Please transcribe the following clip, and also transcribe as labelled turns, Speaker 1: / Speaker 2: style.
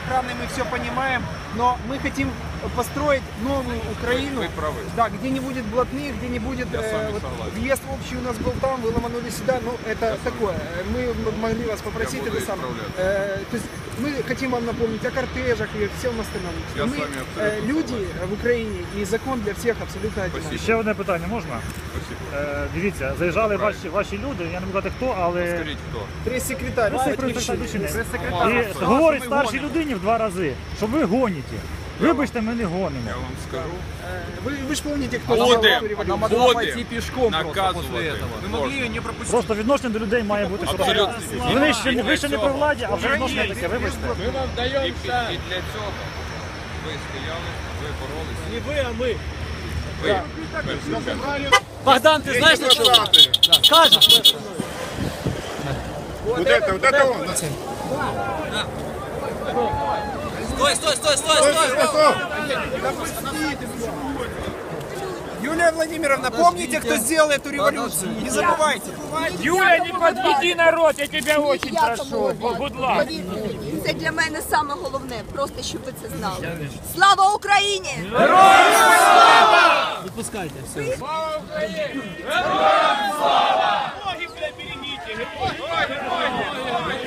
Speaker 1: охраной, мы все понимаем, но мы хотим построить новую Украину, да, где не будет блатных, где не будет въезд общий у нас был там, вы ломанули сюда, ну это такое. Мы могли вас попросить это самое. То есть мы хотим вам напомнить о кортежах и всем остальном. Мы люди в Україні і закон для всіх абсолютно один.
Speaker 2: Ще одне питання можна? Дивіться, заїжджали ваші люди, я не буду казати хто, але...
Speaker 3: Скажіть хто?
Speaker 1: Прес-секретарь. І
Speaker 2: говорить старшій людині в 2 рази, що ви гоніте. Вибачте, ми не гонимо.
Speaker 3: Я вам скажу.
Speaker 1: Ви ж пам'ятаєте, хто
Speaker 3: Будем наказувати.
Speaker 4: Мы могли ее не пропустить.
Speaker 2: Просто відношення до людей має бути хороше. Ви ще не при владі, а вже відношення таке, вибачте.
Speaker 4: Мы вам даем
Speaker 3: І для цього ви стояли, ви боролися.
Speaker 4: Не вы, а мы.
Speaker 3: Ви.
Speaker 4: Богдан, ты знаешь, на что? Скажешь?
Speaker 5: Вот это он.
Speaker 4: Стой!
Speaker 1: Юлия Владимировна, помните, кто сделал эту революцию? Не забывайте.
Speaker 6: Юля, не подведи народ, я тебя очень прошу. Будь ласка.
Speaker 7: Це для мене саме головне, просто щоб ви це знали. Слава Україні!
Speaker 4: Выпускайте, все.
Speaker 6: Слава Україні! Героям слава! Ноги, бля, берегите! Герой!